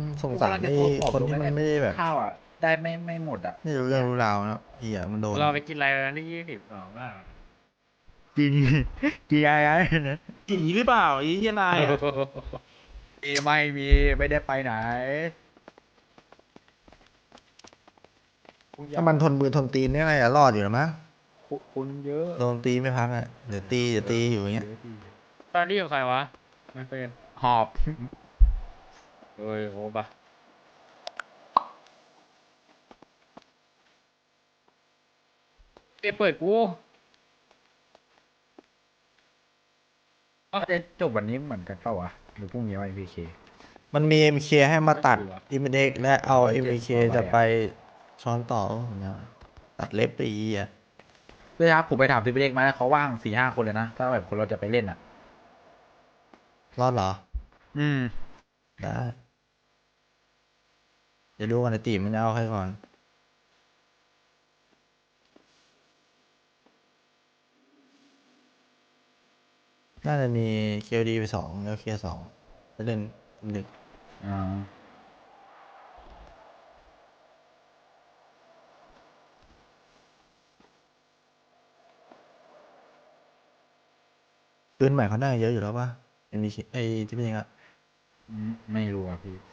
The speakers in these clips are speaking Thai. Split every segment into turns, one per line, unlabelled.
สงสารไอ้คนที่มันไม่ได้แบบ
ข้าวอ่ะ ได้ไม่หมดอ่ะ
ไม่รู้เรื่องรู้ราวนะเหี้ยมันโดน
เราไปกินอะไรนะที่22บ้าง
กินกินอะไรนะ
ผีหรือเปล่าไอ้เหี้ยนายอะ
ไม่มีไม่ได้ไปไหน
ถ้ามันทนมือทนตีนเนี่ยอะไรอะรอดอยู่หรอมั้ง
คุณเยอะ
โดนตีไม่พักอะเดี๋ยวตีอยู่อย่างเงี้ย
ตอนนี้อยู่ใครวะไม่เป็นหอบเฮ้ยโหปะเปิดกู
จะจบวันนี้เหมือนกันเปล่าวะหรือพรุ่งนี้วันพีเค
มันมี MK ให้มาตัดอิมเด็กและเอา MK จะไปช้อนต่อเนี่ยตัดเล็บไปอีอ่ะ
เพื่อนครับผมไปถามทีมเล็กมาเขาว่าง4-5 คนเลยนะ ถ้าแบบคนเราจะไปเล่นอ่ะ
รอดเหรอ
อืม
ได้เดี๋ยวดูกันไอตีมันจะเอาใครก่อน น่าจะมี KD ไป2แล้วเค2ไปเล่นหนึ่ง
อ่า
ปืนใหม่เขาน่าจะเยอะอยู่แล้วป่ะ MK ไอ้ที่เป็นยังไง
ไม่รู้อ่ะพี่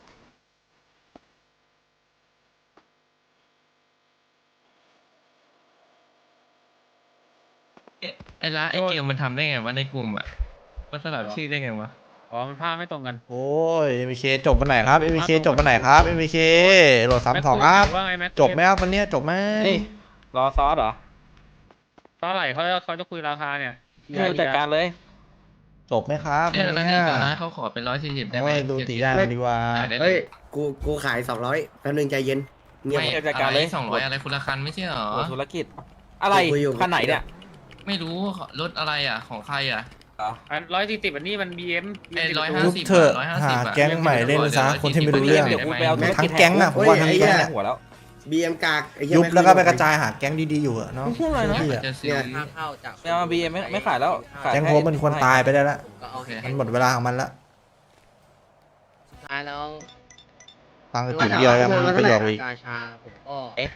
ไอ้ละไอ้เกมมันทำได้ไงวะในกลุ่มอ่ะมันสลับชื่อได้ไงวะ
อ๋อมันภาพไม่ตรงกัน
โอ้ย MK จบวันไหนครับ MK จบวันไหนครับ MK โหลด32ครับ
ว่าไงแม็ก
จบไหมครับวันเนี้ยจบไหม
รอซอสเหรอเท่าไหร่เขาจะคุยราคาเนี่ย
จัดการเลย
จบไหมครับ
เนี่ยแล้ว
เนี่ย
ไอ้ละเขาขอเป็น140ได้ไหม
โอ้ยดูตีได้ดีกว่า
ขายได้เล
เฮ้ย
ย
กูขาย200แป๊บนึงใจเย็นเงียบ
ไม่
จัดการเลย
200อะไรคนละคันไม่ใช่เหรอ
หัวธุรกิจ อะไร
คุยอยู่
คันไหนเนี่ย
ไม่รู้รถอะไรอ่ะของใครอ่ะ
อัน140อันนี้มัน BM
ไอ้
ยุบ
150
เถอะ
150
หา
อะ
แก๊งใหม่เล่นซะคนที่ไม่รู้เรื่อง
เดี๋ยวกูไปเอาธุรกิจ
ทั้งแก๊งอะผมว่าทั้งแก๊งอะ
หัวแล้ว
BM กากไอ้เหี้
ยุบ
ม่
แล้วก็ไปกระจายหาแก๊งดีๆอยู่อะเนาะ
พูดอะไรนะ
เชื่อพี่อะ
จะซื้อ
เนี่ย
ไม่เอาบีไม่ขายแล้วขาย
แก๊งโฮปมันควรตายไปได้ละ
โอเค
มันหมดเวลาของมันละ
สุดท้ายแล้ว
ฟังกระจุดเดียวยังมีประโยชน์อีก
กาชาผมก็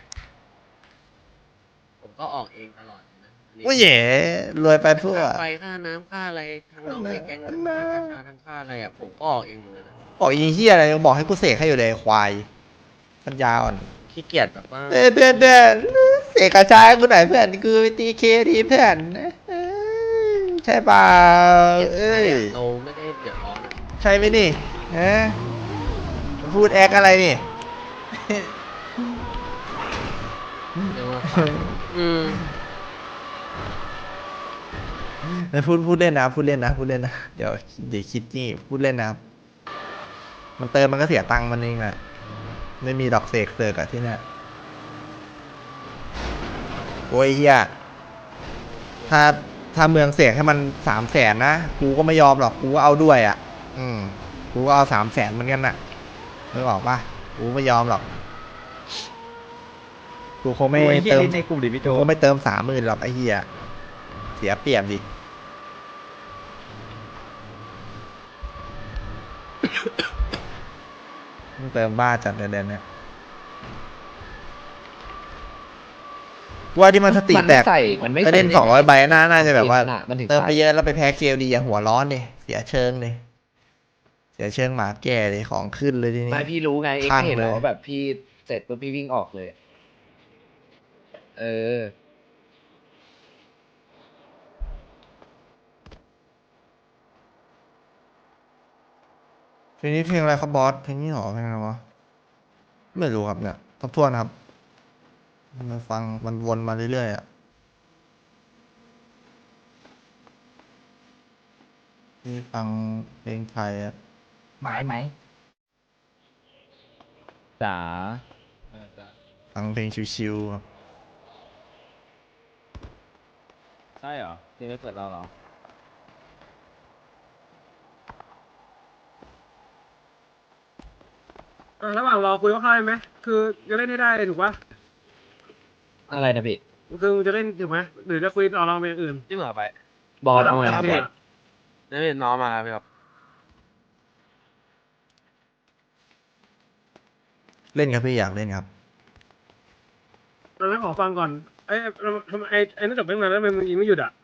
ออกเองตลอดนะ
โอ้ยเย่รวยไปเพื่อ
ค่าไฟค่าน้ำค่าอะไรทั้งน้องในแก๊งทั้งค่ากาชาทั้งค่าอะไรอ่ะผมก็ออกเองหมดเลยนะ
บอกอีเหี้ยอะไรยังบอกให้กูเสกให้อยู่เลยควายปัญญาอ่อน
ขี้เกียจแบบว่า
เพื่อนเสกกระจายกูหน่อยเพื่อนกูไปตีเคดีเพื่อนใช่เปล่าเอ้ย
เราไม่ได้เดือดร้อนอะ
ใช่ไหมนี่ฮะพูดแอคอะไรนี่
เรียกว่า
ไม่พูดเล่นนะพูดเล่นนะเดี๋ยวคิดนี่พูดเล่นนะครับมันเติมมันก็เสียตังค์มันเองแหละไม่มีดอกเสกอะที่เนี่ยโอ้ยเฮียถ้าเมืองเสกให้มัน300,000นะกูก็ไม่ยอมหรอกกูก็เอาด้วยอ่ะกูก็เอา300,000เหมือนกันน่ะนึกออกปะกูไม่ยอมหรอกกูคงไม่เติม
ในกลุ่มดิพี่โจ
กูก็ไม่เติม30,000หรอกไอ้เหี้ยเสียเปรียบดิ มึงเติมบ้าจัดเดือนเนี่ยว่าที่มันสติแตก
มันไม่
ก็เล่น200 ใบน่าจะแบบว่า
มันถึง
เติมไปเยอะแล้วไปแพ้เกลดีอย่าหัวร้อนดิเสียเชิงเลยเสียเชิงหมาแก่เลยของขึ้นเลยทีนี้
ไม่พี่รู้ไงเอ็ก
ข้าง
เห็น
เลย
เหรอแบบพี่เสร็จปุ๊บพี่วิ่งออกเลย เออ
เพลงนี้เพลงอะไรครับบอสเพลงนี้หรอเพลงอะไรวะไม่รู้ครับเนี่ยทบทวนครับมันฟังมันวนมาเรื่อยๆอ่ะที่ฟังเพลงไทยอ่ะ
หมายไหม
จ๋า
ฟังเพลงชิวๆครับ
ใช่เหรอที่ไม่เปิดเราเหรอ
ระหว่างรอคุยว่าเข้าไหมคือจะเล่นให้ได้ถูกปะ
อะไรนะพี่
คือจะเล่นถูกไหมหรือจะคุยเอาลองเป็นอย่างอื่น
ที่เหมือไป
บอลเอาไงครับบอล
นี่น้องมาพี่ครับ
เล่นครับพี่อยากเล่นครับ
เราไม่ขอฟังก่อนทำไมไอ้นั่นจบไปตั้งนานแล้วทำไมมึงยิงไม่หยุดอ่ะ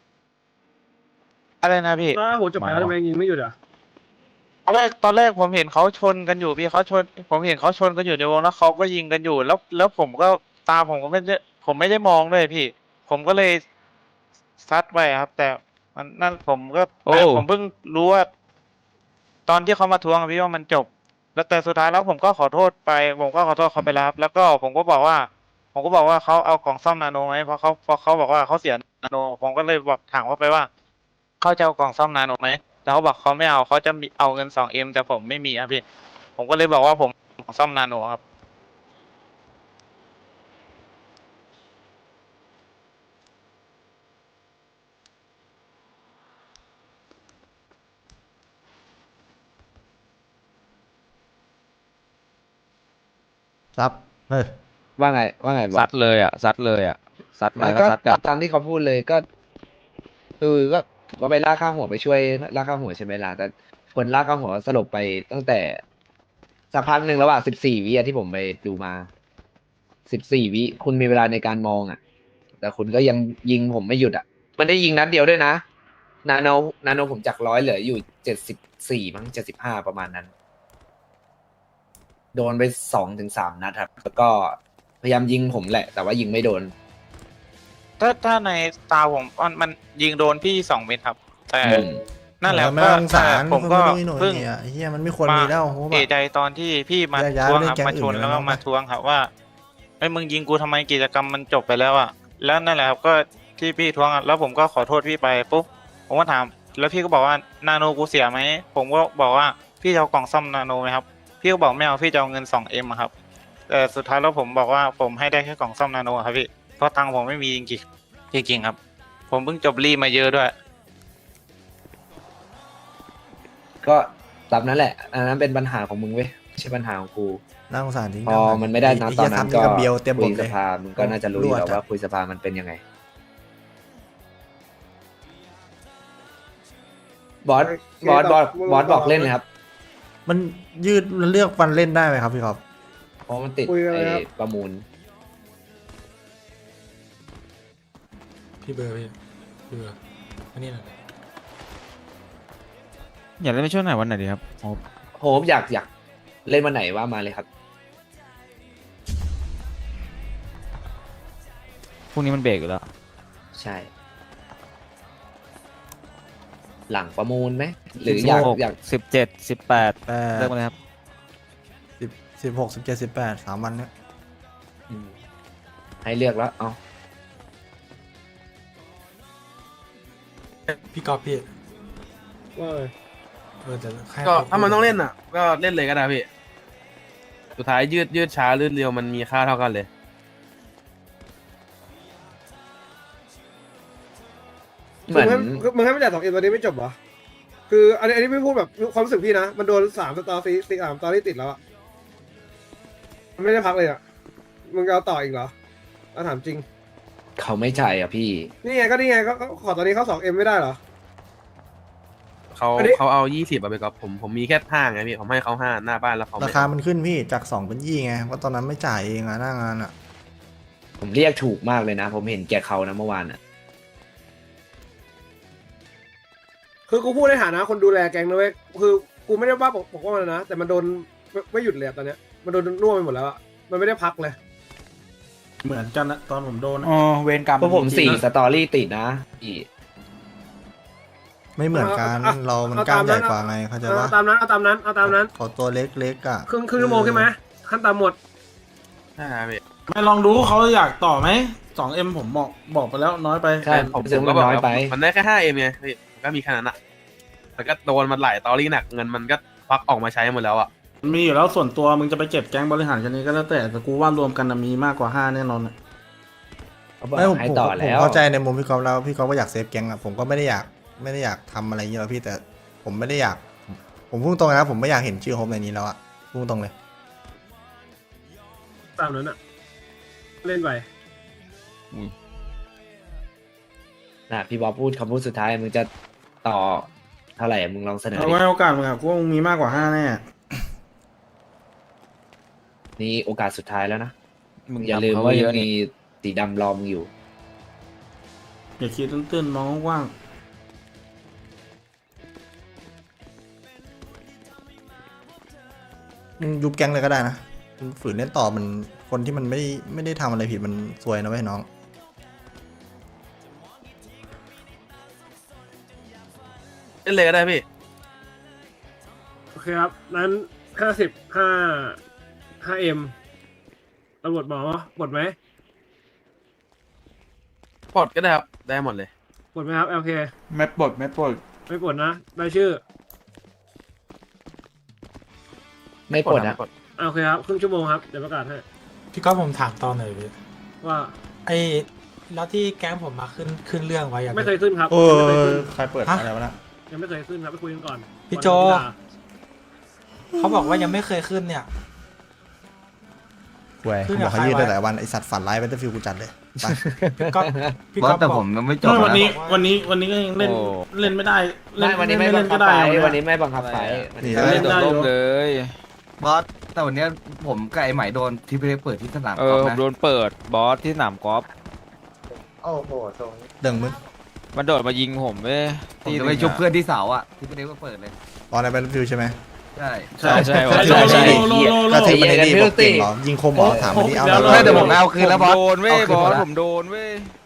อะไรนะพี่
ถ้าหัวจบไปแล้วทำไมยิงไม่หยุดอ่ะ
ตอนแรกผมเห็นเขาชนกันอยู่พี่ผมเห็นเขาชนกันอยู่ในวงแล้วเขาก็ยิงกันอยู่แล้วผมก็ตาผมก็ไม่ได้มองเลยพี่ ผมก็เลยซัดไปครับ แต่มันนั่นผมก็
โอ้
ผมเพิ่งรู้ว่า ตอนที่เขามาทวงอะพี่ว่ามันจบ แล้วแต่สุดท้ายแล้วผมก็ขอโทษไป ผมก็ขอโทษเขาไปแล้วครับ แล้วก็ผมก็บอกว่าเขาเอากล่องซ่อมนาโนไหมเพราะเขาบอกว่าเขาเสียนาโน ผมก็เลยบอกถามเขาไปว่าเขาจะเอากล่องซ่อมนาโนไหมแล้วเขาบอกเขาไม่เอาเขาจะเอาเงิน2M แต่ผมไม่มีครับพี่ ผมก็เลยบอกว่าผมของซ่อมนาโนครับ
ซับเฮ้ย
ว่าไงบอ
ซั
ส
ดเลยอ่ะซัดเลยอ่ะซัดมา
มัน
ก็
ก็
ซัดกลับ
ตามที่เขาพูดเลยก็ก็ไปลากข้างหัวไปช่วยลากข้างหัวใช่ไหมล่ะแต่คนลากข้างหัวสลบไปตั้งแต่สักพักหนึ่งระหว่าง14 วิอะที่ผมไปดูมา14 วิคุณมีเวลาในการมองอ่ะ แต่คุณก็ยังยิงผมไม่หยุดอ่ะ มันได้ยิงนัดเดียวด้วยนะนาโนผมจาก100เหลืออยู่74มั้ง75ประมาณนั้น โดนไป2 ถึง 3 นัดครับ แล้วก็พยายามยิงผมแหละ แต่ว่ายิงไม่โดน
ถ้าในตาผมมันยิงโดนพี่2 เม็ดครับ แต่
อืม
นั่นแหละ
ไม่
ก็
ต้องสงสาร
ผมก็
ไม่รู้
เพิ่ง
เนี่ยไอ้เฮียมันไม่ควรมีแล้วโห
เอะใจตอนที่พี่มา
ย้าย
ทวง
ไปเล่น
ครับ
แก๊ง
มาชน
อื่น
แล้วก็
เลย
มาทวงครับว่าไอ้ยมึงยิงกูทำไมกิจกรรมมันจบไปแล้วอ่ะแล้วนั่นแหละครับก็ที่พี่ทวงอะแล้วผมก็ขอโทษพี่ไปปุ๊บผมก็ถามแล้วพี่ก็บอกว่านาโนกูเสียไหมผมก็บอกว่าพี่จะเอากล่องซ่อมนาโนไหมครับพี่ก็บอกไม่เอาพี่จะเอาเงิน2Mอะครับแต่สุดท้ายแล้วผมบอกว่าผมให้ได้แค่กล่องซ่อมนาโนครับพี่เพราะตังค์ผมไม่มีจริงๆจริงๆครับ ผมเพิ่งจบรีมาเยอะด้วย
ก็ตามนั้นแหละ อันนั้นเป็นปัญหาของมึงเว้ยไม่ใช่ปัญหาของกู
น่าสงสารจริง
พอมันไม่ได้นะตอนนั้นก็
เบียวเต็มบ
คุ
ท
ย
เล
ส
ย
ภามึงก็น่าจะรู้อยู่แล้วว่าคุยสภามันเป็นยังไง บอสบอกเล่นเลยครับ
มันยืดมันเลือกฟันเล่นได้ไหมครับพี่ครับ
เพราะมันติด
คุยกันเลย
ไอ้
ครับ
ประมูล
พี่เบอร์อันนี้แหละ
อยากเล่นไปช่วงไหนวันไหนดีครับโอ้
โฮปอยากเล่นวันไหนว่ามาเลยครับ
พรุ่งนี้มันเบรกอยู่แล้ว
ใช่ หลังประมูลไหมหรืออยาก
17 18
แต่
เลิกมาเลยครับ
16 17 18 3 วันเนี่ย
อืมให้เลือกแล้ว เอา
พี่กอล์ฟพี่ว่าไงแต่
ก็ถ้ามันต้องเล่นอ่ะ ก็เล่นเลยก็ได้พี่ สุดท้ายยืดช้าลื่นเร็วมันมีค่าเท่ากันเลย
เหมือน
มึงให้ไม่จ่าย2Mตอนนี้ไม่จบเหรอคืออันนี้ไม่พูดแบบความรู้สึกพี่นะมันโดน3 สตอรี่3 สตอรี่ติดแล้วอะมันไม่ได้พักเลยอะมึงจะเอาต่ออีกเหรอถามจริง
เขาไม่จ่ายอ่ะพี่
นี่ไงก็ขอตอนนี้เขา2Mไม่ได้เหรอ อันนี้
เขาเอา20อะไปกับผมมีแค่5ไงพี่ ผมให้เขา5หน้าบ้านแล้วเขา
รา
ไม่
คามันขึ้นพี่จาก2เป็น20ไงเพราะตอนนั้นไม่จ่ายเองอะหน้างานอะ
ผมเรียกถูกมากเลยนะ ผมเห็นแกเขานะเมื่อวานอ่ะ
คือกูพูดในฐานะคนดูแลแก๊งนะเว้ยคือกูไม่ได้ว่าปกป้องมันนะแต่มันโดนไม่หยุดเลยอะตอนเนี้ยมันโดนน่วมไปหมดแล้วอะมันไม่ได้พักเลย
เหมือนกันนะตอนผมโดน
อ๋อเวรกรรม
เพราะผม4 สตอรี่ติดนะพี่
ไม่เหมือนกัน
เอา
เรามัน
เอา
กล้าม
ตาม
ใหญ่
นั้น
กว่าไงเข้าใจ
เอา
ปะ
ตามนั้นเอาตามนั้น
ขอตัวเล็กๆอะ
ครึ่งชั่วโมงใช่ไหมขั้นต่ำหมด
ใช่ครับพี่
ไม่ลองดูเขาอยากต่อไหม2M ผมบอกไปแล้วน้อยไป
ใช่ ผมรู้สึกว่ามันน้อยไป
มันได้แค่ 5M ไงพี่มันก็มีแค่นั้นอะแล้วก็โดนมันหลายตอรี่หนักเงินมันก็ควักออกมาใช้หมดแล้วอะ
มีอยู่แล้วส่วนตัวมึงจะไปเก็บแก๊งบริหารกันนี้ก็แล้วแต่กูว่ารวมกันมีมากกว่า5แน่นอนอะ
เขาบอก
ไม่ผม
ให้
ผม
ต่อ
ผม
แล้ว
เข้าใจในมุมพี่กอล์ฟแล้วพี่กอล์ฟก็อยากเซฟแก๊งอะผมก็ไม่ได้อยากทำอะไรอย่างเงี้ยหรอกพี่แต่ผมไม่ได้อยากผมพูดตรงนะผมไม่อยากเห็นชื่อโฮมในนี้แล้วอะพูดตรงเลย
ตามนั้นอะเล่นไป
นะพี่บอสพูดคำพูดสุดท้ายมึงจะต่อเท่าไหร่มึงลองเสนอ
เอา
ดิ
ไว้โอกาสมึงอะกูว่ามึงมีมากกว่า5แน่
นี่โอกาสสุดท้ายแล้วนะ
มึง
อย่า
ทำ
ลืม
เขา
ว่า
ไเย
ยัง
อะ
มี
นี่
สีดำรอมึงอยู่
อย่าคิดตื้นๆมองกว้าง
มึงยุบแก๊งเลยก็ได้นะมึงฝืนเล่นต่อมันคนที่มันไม่ได้ทำอะไรผิดมันซวยนะเว้ยน้อง
เล่นเลยก็ได้พี่
โอเคครับ นั้น55 5M ตำรวจบอกว่าปลดไหม
ปลดก็ได้ครับ ได้หมดเลย
ปลดไหมครับ LK
ไม่ปลดไม่ปลด
ไม่ปลดนะได้ชื่อ
ไม่ปลดนะ
โอเคครับ ครึ่งชั่วโมงครับ เดี๋ยวประกาศให้
พี่ก็ผมถามตอนหน่อยพี่
ว่า
ไอ้แล้วที่แก๊งผมมาขึ้นเรื่องไว้อะ
ไม่เคยขึ้นครับ
โอ้
ไม่เคยขึ้น
ใครเปิด
ฮะ
อะไรวะนะ
ยังไม่เคยขึ้นครับไปคุยกันก่อน
พี่โจ
ก่อนจะด่า
เขาบอกว่ายังไม่เคยขึ้นเนี่ย
เว้ย
ขึ้น
บ
กั
อบ ก
ใคร
เขายืด
ไว้
ได้แต่วันไอสัตว์ฝันร้ายเบเตอร์ฟิลกูจัดเลยไป
ก็พี่ก็บอก
ไม่วันนี้ก็ยังเล่น
โอ้
เล่นไม่ได้
ไม่วันนี้ไม่บังคับ
ก็
ไฟ
ได้
วันนี้ไม่บังคับไฟ
นี่
ไม่ได้โดนล่มเลย
บอสแต่วันเนี้ยผมกับไอ้ใหม่โดนที่ไปเปิดที่สนาม
เอก
อ
อ
ล์ฟ
ผม
นะ
โดนเปิดบอสที่สนามกอล์ฟ
เดิงมึง
มันโดดมายิงผมเว้ย
ผมจะไปชุบเพื่อนที่เสาอ่ะที่ไปเด็กก็เปิดเลย
ตอนในเบเตอร์ฟิลใช่ไหม
ใช่
ใช่ใช่
ก็
ใช่
ถือ
ใช่
ว่า
ใช่
ไม่ดีก็ถือว่าไม่ดีบอกเก่งเหรอยิงคมเหรอถามมาดิเอา
ไม่แต่ผมเอาคืนแล้วบอส
โดนเว้ย
เอาคื
บ
น
อ
หม
ส
ดแล้ว
ผมโดนเว้ย